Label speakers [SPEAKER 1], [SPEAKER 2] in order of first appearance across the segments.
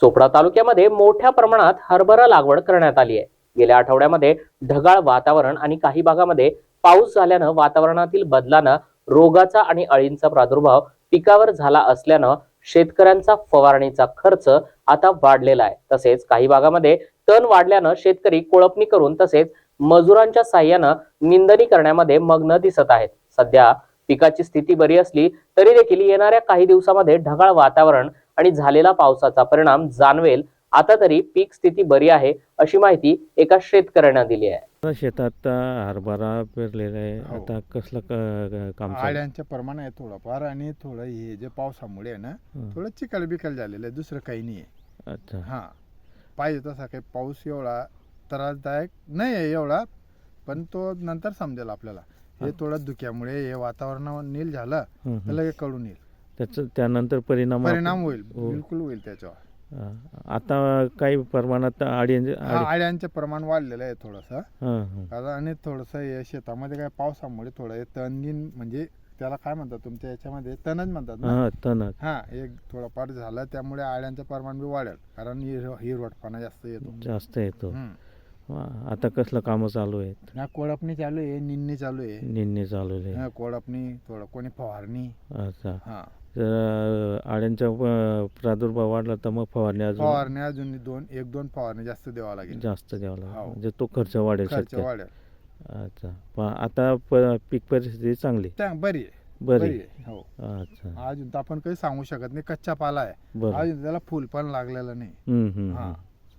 [SPEAKER 1] चोपडा तालुक्यामध्ये मोठ्या प्रमाणात हरभरा लागवड करण्यात आली आहे. गेल्या आठवड्यामध्ये ढगाळ वातावरण आणि काही भागामध्ये पाऊस झाल्यानं वातावरणातील बदलानं रोगाचा आणि अळींचा प्रादुर्भाव पिकावर झाला असल्यानं शेतकऱ्यांचा फवारणीचा खर्च आता वाढलेला आहे. तसेच काही भागामध्ये तण वाढल्यानं शेतकरी कोळपणी करून तसेच मजुरांच्या साह्यानं निंदणी करण्यामध्ये मग्न दिसत आहेत. सध्या पिकाची स्थिती बरी असली तरी देखील येणाऱ्या काही दिवसामध्ये ढगाळ वातावरण आणि झालेला पावसाचा परिणाम जाणवेल. आता तरी पीक स्थिती बरी आहे अशी माहिती एका शेतकऱ्याने दिली आहे.
[SPEAKER 2] शेतात हरभरा पेरलेला आहे.
[SPEAKER 3] हो.
[SPEAKER 2] आता कसलं काम चालू?
[SPEAKER 3] आळ्यांचं प्रमाण आहे थोडंफार आणि थोडं हे जे पावसामुळे आहे ना थोडं चिखल बिकल झालेलं आहे, दुसरं काही नाही आहे.
[SPEAKER 2] अच्छा.
[SPEAKER 3] हां, पाहिजे तसा काही पाऊस एवढा त्रासदायक नाही आहे एवढा, पण तो नंतर समजेल आपल्याला. हे थोडं धुक्यामुळे हे वातावरण नील झालं तर लगेच कळून येईल,
[SPEAKER 2] त्याचं त्यानंतर परिणाम
[SPEAKER 3] होईल,
[SPEAKER 2] हो.
[SPEAKER 3] बिलकुल होईल त्याच्यावर.
[SPEAKER 2] आता काही प्रमाणात
[SPEAKER 3] आळ्यांचं प्रमाण वाढलेलं आहे थोडंसं. आणि थोडंसं हे शेतामध्ये काय पावसामुळे थोडं हे तणगीन म्हणजे त्याला काय म्हणतात तुमच्या याच्यामध्ये, तणच म्हणतात ना.
[SPEAKER 2] तण
[SPEAKER 3] हां, एक थोडंफार झालं त्यामुळे आळ्यांचं प्रमाण बी वाढेल, कारण हिरवटपणा जास्त येतो.
[SPEAKER 2] जास्त येतो. आता कसलं काम चालू आहेत?
[SPEAKER 3] कोळपणी चालू आहे, निंदणी चालू आहे.
[SPEAKER 2] निंदणी चालू आहे.
[SPEAKER 3] कोळपणी, थोडं कोणी फवारणी.
[SPEAKER 2] अच्छा.
[SPEAKER 3] हां,
[SPEAKER 2] जर आळ्यांचा प्रादुर्भाव वाढला तर मग फवारणी
[SPEAKER 3] अजून एक दोन फवारणी जास्त द्यावा लागेल.
[SPEAKER 2] जास्त द्यावा लागेल.
[SPEAKER 3] हो.
[SPEAKER 2] म्हणजे तो खर्च वाढेल.
[SPEAKER 3] खर्च वाढेल.
[SPEAKER 2] अच्छा. पण आता पीक परिस्थिती चांगली
[SPEAKER 3] बरी आहे.
[SPEAKER 2] बरी
[SPEAKER 3] आहे. हो.
[SPEAKER 2] अच्छा.
[SPEAKER 3] अजून तर आपण काही सांगू शकत नाही, कच्चा पाला आहे.
[SPEAKER 2] बरं.
[SPEAKER 3] अजून त्याला फुल पण लागलेलं नाही. हां.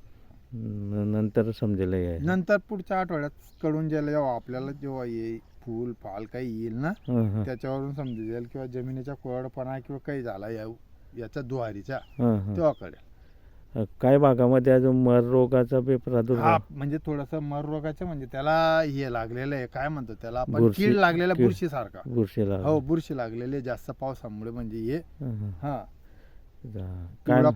[SPEAKER 2] नंतर समजेल हे.
[SPEAKER 3] नंतर पुढच्या आठवड्यात कळून जाईल, जेव्हा आपल्याला जेव्हा येईल फुल फाल काही येईल ना, त्याच्यावरून समजेल जाईल किंवा जमिनीचा कोरडपणा किंवा काही झाला याचा दुहारीचा, तेव्हा कळेल.
[SPEAKER 2] काही भागामध्ये अजून मर रोगाचा बी प्रादुर्भाव.
[SPEAKER 3] म्हणजे थोडस मर रोगाचं म्हणजे त्याला हे लागलेलं आहे, काय म्हणतो त्याला आपण,
[SPEAKER 2] बुरशी-
[SPEAKER 3] कीड लागलेला, बुरशी सारखा.
[SPEAKER 2] बुरशीला.
[SPEAKER 3] हो, बुरशी लागलेली जास्त पावसामुळे म्हणजे हे. हा,
[SPEAKER 2] काय
[SPEAKER 3] पिवळा